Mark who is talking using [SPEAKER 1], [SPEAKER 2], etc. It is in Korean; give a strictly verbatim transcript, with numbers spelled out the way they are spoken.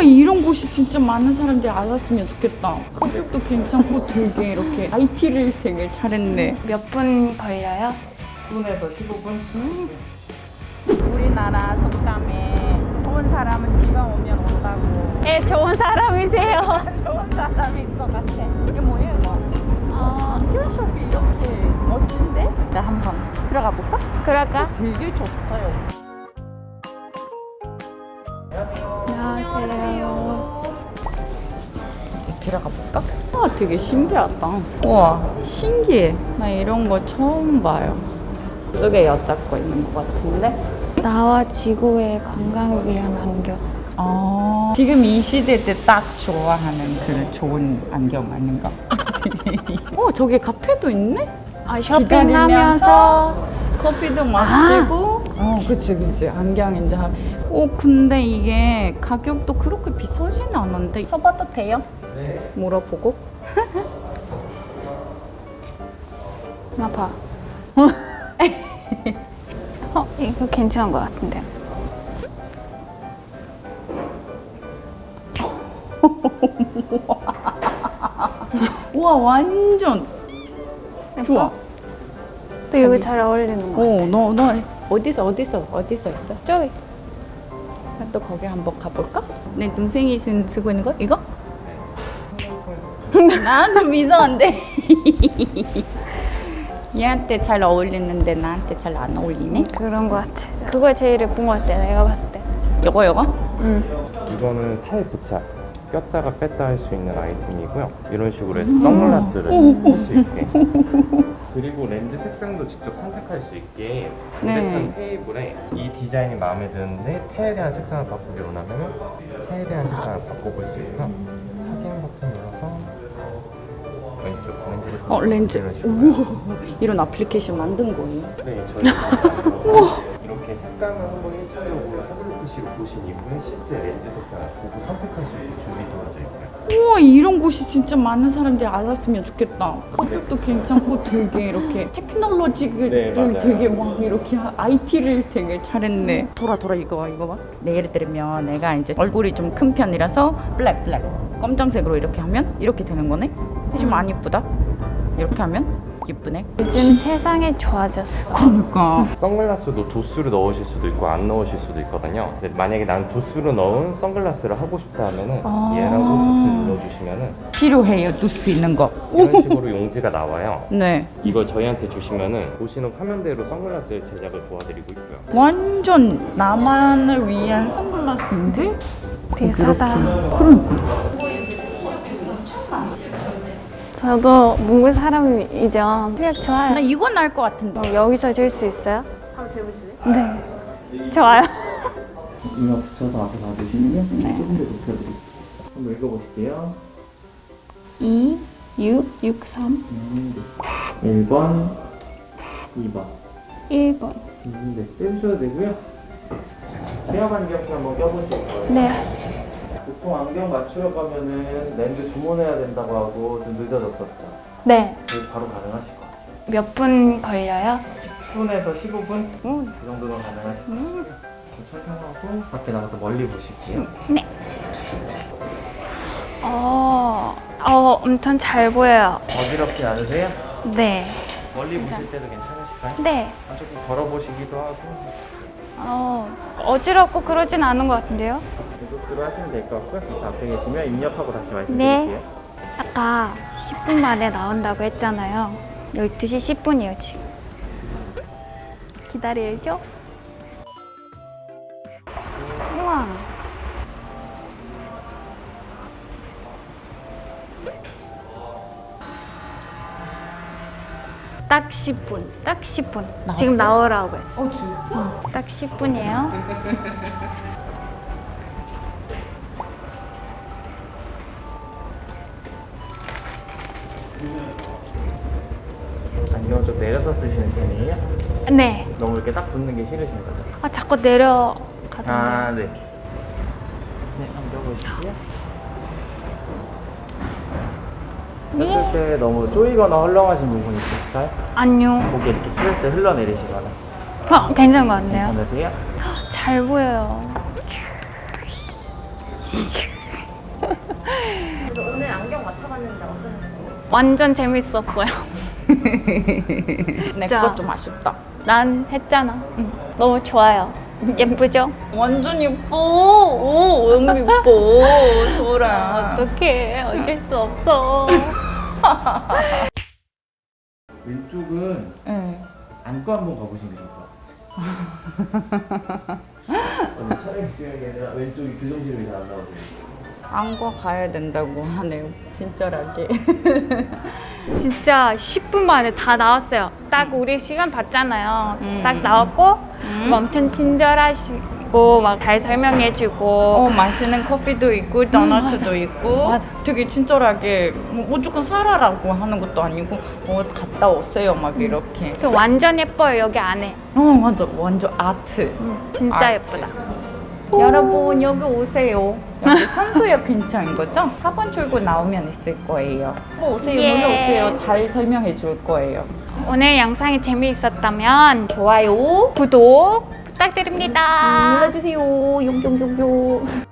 [SPEAKER 1] 이런 곳이 진짜 많은 사람들이 알았으면 좋겠다. 가격도 괜찮고 되게 이렇게 아이티를 되게 잘했네.
[SPEAKER 2] 몇 분 걸려요?
[SPEAKER 3] 십 분에서 십오 분?
[SPEAKER 1] 음. 우리나라 속담에 좋은 사람은 비가 오면 온다고.
[SPEAKER 2] 예, 좋은 사람이세요.
[SPEAKER 1] 좋은 사람인 것 같아. 이게 뭐예요 이거?
[SPEAKER 2] 아,
[SPEAKER 1] 안경숍이 이렇게 멋진데? 나 한번 들어가 볼까?
[SPEAKER 2] 그럴까?
[SPEAKER 1] 되게 좋아요.
[SPEAKER 2] 안녕하세요.
[SPEAKER 1] 이제 들어가 볼까? 아, 되게 신기하다. 우와, 신기해. 나 이런 거 처음 봐요. 이쪽에 여자 거 있는 것 같은데?
[SPEAKER 2] 나와 지구의 건강을 위한 안경.
[SPEAKER 1] 아, 지금 이 시대 때 딱 좋아하는 그 좋은 안경 아닌가? 어, 저기 카페도 있네?
[SPEAKER 2] 아, 쇼핑하면서
[SPEAKER 1] 커피도 마시고. 어, 그치, 그치. 안경 이제 하. 어, 근데 이게 가격도 그렇게 비싸진 않은데. 써봐도 돼요?
[SPEAKER 3] 네.
[SPEAKER 1] 물어보고.
[SPEAKER 2] 나 봐. 어, 이거 괜찮은 것 같은데.
[SPEAKER 1] 우와, 완전 좋아.
[SPEAKER 2] 또 이거 잘 어울리는 거.
[SPEAKER 1] 어, 너, 너 어디서, 어디서, 어디서 했어?
[SPEAKER 2] 저기.
[SPEAKER 1] 또 거기 한번 가볼까? 내 동생이 지금 쓰고 있는 거? 이거? 난 좀 이상한데. 얘한테 잘 어울리는데 나한테 잘 안 어울리네?
[SPEAKER 2] 그런 것 같아. 그거 제일 예쁜 것 같아, 내가 봤을 때.
[SPEAKER 1] 요거 요거?
[SPEAKER 2] 응.
[SPEAKER 3] 이거는 타일 부착. 꼈다가 뺐다 할 수 있는 아이템이고요. 이런 식으로 해서 선글라스를 할 수 있게. 그리고 렌즈 색상도 직접 선택할 수 있게
[SPEAKER 1] 네.
[SPEAKER 3] 휴대폰 테이블에 이 디자인이 마음에 드는데 테에 대한 색상을 바꾸기 원하면 테에 대한 색상을 바꿔볼 수 있고요. 확인 버튼 눌러서 왼쪽 렌즈를
[SPEAKER 1] 어, 렌즈.
[SPEAKER 3] 이런 식으로.
[SPEAKER 1] 우와, 이런 애플리케이션 만든 거예요?
[SPEAKER 3] 네, 저희가 이렇게 색감을 한번 일 차적으로 타블릿 피씨로 보신 이후에 실제 렌즈 색상을 보고 선택할 수 있게 준비 되어져 있고요.
[SPEAKER 1] 우와, 이런 곳이 진짜 많은 사람들이 알았으면 좋겠다. 가격도 괜찮고 되게 이렇게 테크놀로지를
[SPEAKER 3] 네, 맞아요.
[SPEAKER 1] 되게 막 이렇게 아이티를 되게 잘했네. 돌아 돌아 이거 봐, 이거 봐. 내 예를 들면 내가 이제 얼굴이 좀 큰 편이라서 블랙 블랙 검정색으로 이렇게 하면 이렇게 되는 거네. 좀 안 예쁘다. 이렇게 하면 예쁘네.
[SPEAKER 2] 요즘 세상이 좋아졌어.
[SPEAKER 1] 그러니까.
[SPEAKER 3] 선글라스도 도수를 넣으실 수도 있고 안 넣으실 수도 있거든요. 근데 만약에 난 도수를 넣은 선글라스를 하고 싶다 하면은
[SPEAKER 1] 아.
[SPEAKER 3] 얘라고 버튼 눌러주시면은
[SPEAKER 1] 필요해요, 둘 수 있는 거.
[SPEAKER 3] 이런 식으로 용지가 나와요.
[SPEAKER 1] 네.
[SPEAKER 3] 이걸 저희한테 주시면은 보시는 화면대로 선글라스의 제작을 도와드리고 있고요.
[SPEAKER 1] 완전 나만을 위한 선글라스인데?
[SPEAKER 2] 비싸다.
[SPEAKER 1] 그러니까.
[SPEAKER 2] 저도 몽골 사람이죠. 실력 좋아요.
[SPEAKER 1] 나 이건 알 것 같은데.
[SPEAKER 2] 어, 여기서 줄 수 있어요? 한번 재보실래요? 네. 좋아요.
[SPEAKER 3] 이마 붙여서 앞에 놔주시면 조금 더 높여드릴게요. 한번 읽어보실게요.
[SPEAKER 1] 이, 육, 육, 삼.
[SPEAKER 3] 일 번, 이 번.
[SPEAKER 1] 일 번.
[SPEAKER 3] 음, 네, 빼주셔도 되고요. 시험 안경 한번 껴보실 거예요.
[SPEAKER 2] 네.
[SPEAKER 3] 보통 안경 맞추러 가면은 렌즈 주문해야 된다고 하고 좀 늦어졌었죠.
[SPEAKER 2] 네.
[SPEAKER 3] 그래서 바로 가능하실 것 같아요.
[SPEAKER 2] 몇 분 걸려요?
[SPEAKER 3] 십 분에서 십오 분?
[SPEAKER 2] 오.
[SPEAKER 3] 그 정도는 가능하실 것 같아요. 착용하고 밖에 나가서 멀리 보실게요.
[SPEAKER 2] 네. 어, 어, 엄청 잘 보여요.
[SPEAKER 3] 어지럽지 않으세요?
[SPEAKER 2] 네.
[SPEAKER 3] 멀리 보실 때도 괜찮으실까요?
[SPEAKER 2] 네.
[SPEAKER 3] 아, 조금 걸어보시기도 하고
[SPEAKER 2] 어, 어지럽고 그러진 않은 것 같은데요?
[SPEAKER 3] 도수로 하시면 될 것 같고요. 잠깐 앞에 계시면 입력하고 다시 말씀드릴게요.
[SPEAKER 2] 네. 아까 십 분 만에 나온다고 했잖아요. 열두 시 십 분이에요, 지금. 기다려야죠. 우와. 딱 십 분. 딱 십 분. 지금 나오라고 했어.
[SPEAKER 1] 어, 진짜?
[SPEAKER 2] 딱 십 분이에요.
[SPEAKER 3] 안경 좀 내려서 쓰시는 편이에요?
[SPEAKER 2] 네.
[SPEAKER 3] 너무 이렇게 딱 붙는 게 싫으신가요?
[SPEAKER 2] 아, 자꾸 내려가던데.
[SPEAKER 3] 아, 네. 네, 한번 껴보실게요. 했을 때 너무 쪼이거나 헐렁하신 부분 있으실까요?
[SPEAKER 2] 아니요.
[SPEAKER 3] 고개 이렇게 숙였을 때 흘러내리시거나
[SPEAKER 2] 어, 괜찮은 것 같네요.
[SPEAKER 3] 괜찮으세요?
[SPEAKER 2] 잘 보여요.
[SPEAKER 1] 그래서 오늘 안경 맞춰봤는데 어떠셨어요?
[SPEAKER 2] 완전 재밌었어요.
[SPEAKER 1] 내 거 좀 아쉽다.
[SPEAKER 2] 난 했잖아. 응. 너무 좋아요. 예쁘죠?
[SPEAKER 1] 완전 예뻐. 오, 너무 예뻐. 돌아.
[SPEAKER 2] 어떡해. 어쩔 수 없어.
[SPEAKER 4] 왼쪽은
[SPEAKER 1] 네.
[SPEAKER 4] 안고 한번 가보시는 게 좋을 것 같아요. 오늘 촬영 중인 게 아니라 왼쪽이 교정실이 잘 안 나오세요.
[SPEAKER 1] 안과 가야 된다고 하네요. 친절하게.
[SPEAKER 2] 진짜 십 분 만에 다 나왔어요. 딱 우리 시간 봤잖아요.
[SPEAKER 1] 음.
[SPEAKER 2] 딱 나왔고 뭐 엄청 친절하시고 막 잘 설명해주고
[SPEAKER 1] 어, 맛있는 커피도 있고 도넛도
[SPEAKER 2] 맞아.
[SPEAKER 1] 있고
[SPEAKER 2] 맞아.
[SPEAKER 1] 되게 친절하게 뭐 무조건 사라라고 하는 것도 아니고 어, 갔다 오세요 막 이렇게.
[SPEAKER 2] 그 완전 예뻐요 여기 안에.
[SPEAKER 1] 어 맞아 완전 아트.
[SPEAKER 2] 진짜
[SPEAKER 1] 아트.
[SPEAKER 2] 예쁘다.
[SPEAKER 1] 여러분 여기 오세요. 여기 선수역 근처인 거죠? 사 번 출구 나오면 있을 거예요. 뭐 오세요
[SPEAKER 2] 예.
[SPEAKER 1] 놀러 오세요. 잘 설명해 줄 거예요.
[SPEAKER 2] 오늘 영상이 재미있었다면
[SPEAKER 1] 좋아요
[SPEAKER 2] 구독 부탁드립니다.
[SPEAKER 1] 눌러주세요. 용용용용.